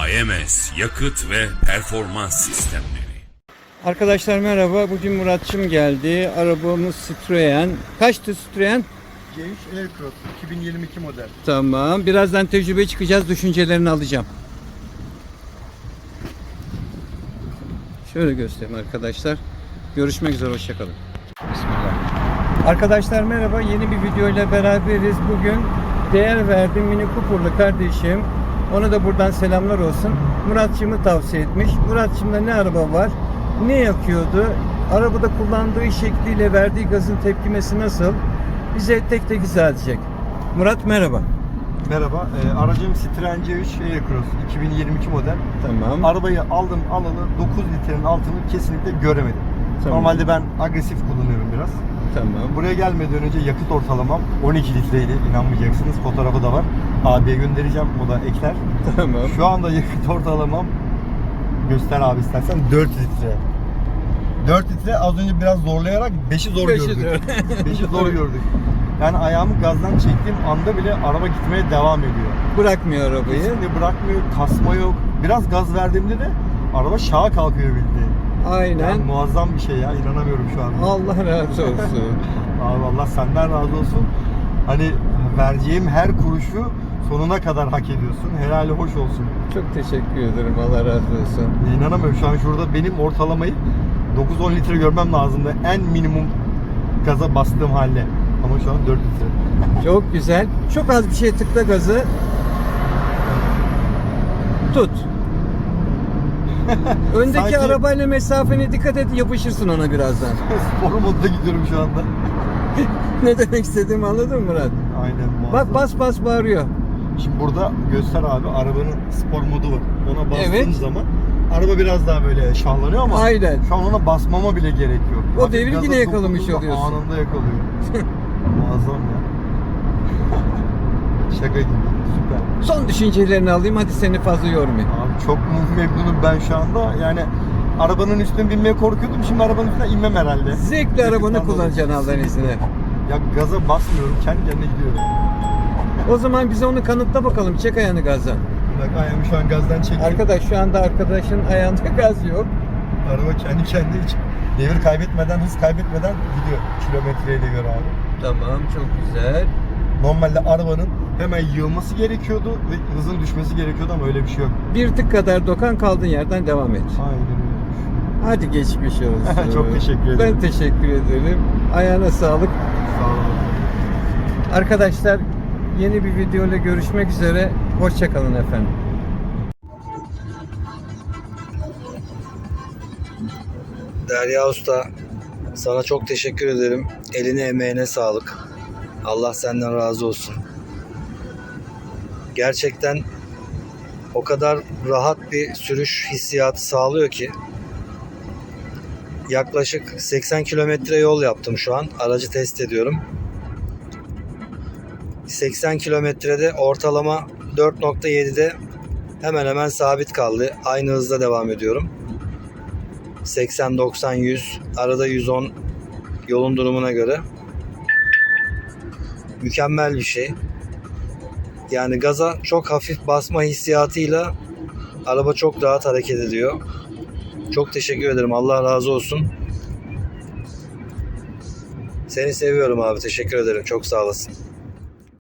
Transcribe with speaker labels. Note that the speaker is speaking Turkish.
Speaker 1: AMS Yakıt ve Performans Sistemleri.
Speaker 2: Arkadaşlar merhaba. Bugün Muratçım geldi. Arabamız Citroen. Kaçtı Citroen?
Speaker 3: C3 Aircross 2022 model.
Speaker 2: Tamam. Birazdan tecrübe çıkacağız. Düşüncelerini alacağım. Şöyle göstereyim arkadaşlar. Görüşmek üzere. Hoşçakalın. Bismillah. Arkadaşlar merhaba. Yeni bir video ile beraberiz. Bugün değer verdiğim Mini Cooper'lı kardeşim. Ona da buradan selamlar olsun. Muratçım'ı tavsiye etmiş. Muratçım'da ne araba var? Ne yakıyordu? Arabada kullandığı şekliyle verdiği gazın tepkimesi nasıl? Bize tek tek izah edecek. Murat merhaba.
Speaker 3: Merhaba, aracım Citroen C3 Aircross 2022 model.
Speaker 2: Tamam.
Speaker 3: Arabayı aldım alalı 9 litrenin altını kesinlikle göremedim.
Speaker 2: Tamam.
Speaker 3: Normalde ben agresif kullanıyorum biraz.
Speaker 2: Tamam.
Speaker 3: Buraya gelmeden önce yakıt ortalamam 12 litreydi. İnanmayacaksınız. Fotoğrafı da var. Abiye göndereceğim. O da ekler.
Speaker 2: Tamam.
Speaker 3: Şu anda yakıt ortalamam, göster abi istersen, 4 litre. 4 litre, az önce biraz zorlayarak 5'i zor gördük. 5'i zor gördük. Yani ayağımı gazdan çektiğim anda bile araba gitmeye devam ediyor.
Speaker 2: Bırakmıyor arabayı.
Speaker 3: Kesinlikle bırakmıyor, kasma yok. Biraz gaz verdiğimde de araba şaha kalkıyor bildiğin.
Speaker 2: Aynen.
Speaker 3: Yani muazzam bir şey ya, inanamıyorum şu anda.
Speaker 2: Allah razı olsun.
Speaker 3: Abi Allah senden razı olsun. Hani vereceğim her kuruşu sonuna kadar hak ediyorsun. Helali hoş olsun.
Speaker 2: Çok teşekkür ederim. Allah razı olsun.
Speaker 3: İnanamıyorum, şu an şurada benim ortalamayı 9-10 litre görmem lazımdı. En minimum gaza bastığım halde. Ama şu an 4 litre.
Speaker 2: Çok güzel. Çok az bir şey tıkla gazı. Tut. Öndeki
Speaker 3: Sanki-
Speaker 2: arabayla mesafene dikkat et, yapışırsın ona birazdan.
Speaker 3: Spor modda gidiyorum şu anda.
Speaker 2: Ne demek istediğimi anladın mı Murat?
Speaker 3: Aynen.
Speaker 2: Bak bas bas bağırıyor.
Speaker 3: Şimdi burada göster abi, arabanın spor modu var. Ona bastığım
Speaker 2: Evet.
Speaker 3: zaman araba biraz daha böyle şahlanıyor ama
Speaker 2: Aynen.
Speaker 3: şu an ona basmama bile gerek yok.
Speaker 2: O
Speaker 3: Hafif
Speaker 2: devri
Speaker 3: gaza
Speaker 2: yine yakalamış
Speaker 3: dokunduğunda
Speaker 2: oluyorsun.
Speaker 3: Anında yakalıyor. Muazzam ya. Şaka gibi. Süper.
Speaker 2: Son düşüncelerini alayım, hadi seni fazla yormayayım.
Speaker 3: Abi çok memnunum ben şu anda. Yani arabanın üstüne binmeye korkuyordum. Şimdi arabanın üstüne inmem herhalde.
Speaker 2: Zevkli arabanı
Speaker 3: Yakıttan
Speaker 2: kullanacaksın
Speaker 3: dolayı.
Speaker 2: Allah'ın izniyle.
Speaker 3: Ya gaza basmıyorum. Kendi kendine gidiyorum.
Speaker 2: O zaman bize onu kanıtla bakalım. Çek ayağını gazdan.
Speaker 3: Bak ayağımı şu an gazdan çektim.
Speaker 2: Arkadaş şu anda arkadaşın ayağında gaz yok.
Speaker 3: Araba kendi kendine hiç devir kaybetmeden, hız kaybetmeden gidiyor. Kilometreyle göre abi.
Speaker 2: Tamam, çok güzel.
Speaker 3: Normalde arabanın hemen yığılması gerekiyordu ve hızın düşmesi gerekiyordu ama öyle bir şey yok.
Speaker 2: Bir tık kadar dokan, kaldığın yerden devam et.
Speaker 3: Aynen öyle.
Speaker 2: Hadi geçmiş olsun.
Speaker 3: Çok teşekkür ederim.
Speaker 2: Ben teşekkür ederim. Ayağına sağlık.
Speaker 3: Sağ olun.
Speaker 2: Arkadaşlar yeni bir video ile görüşmek üzere. Hoşça kalın efendim.
Speaker 4: Derya Usta, sana çok teşekkür ederim. Eline emeğine sağlık. Allah senden razı olsun. Gerçekten o kadar rahat bir sürüş hissiyatı sağlıyor ki. Yaklaşık 80 kilometre yol yaptım şu an. Aracı test ediyorum. 80 kilometrede ortalama 4.7'de hemen hemen sabit kaldı. Aynı hızda devam ediyorum. 80, 90, 100, arada 110 yolun durumuna göre. Mükemmel bir şey. Yani gaza çok hafif basma hissiyatıyla araba çok rahat hareket ediyor. Çok teşekkür ederim. Allah razı olsun. Seni seviyorum abi. Teşekkür ederim. Çok sağ olasın.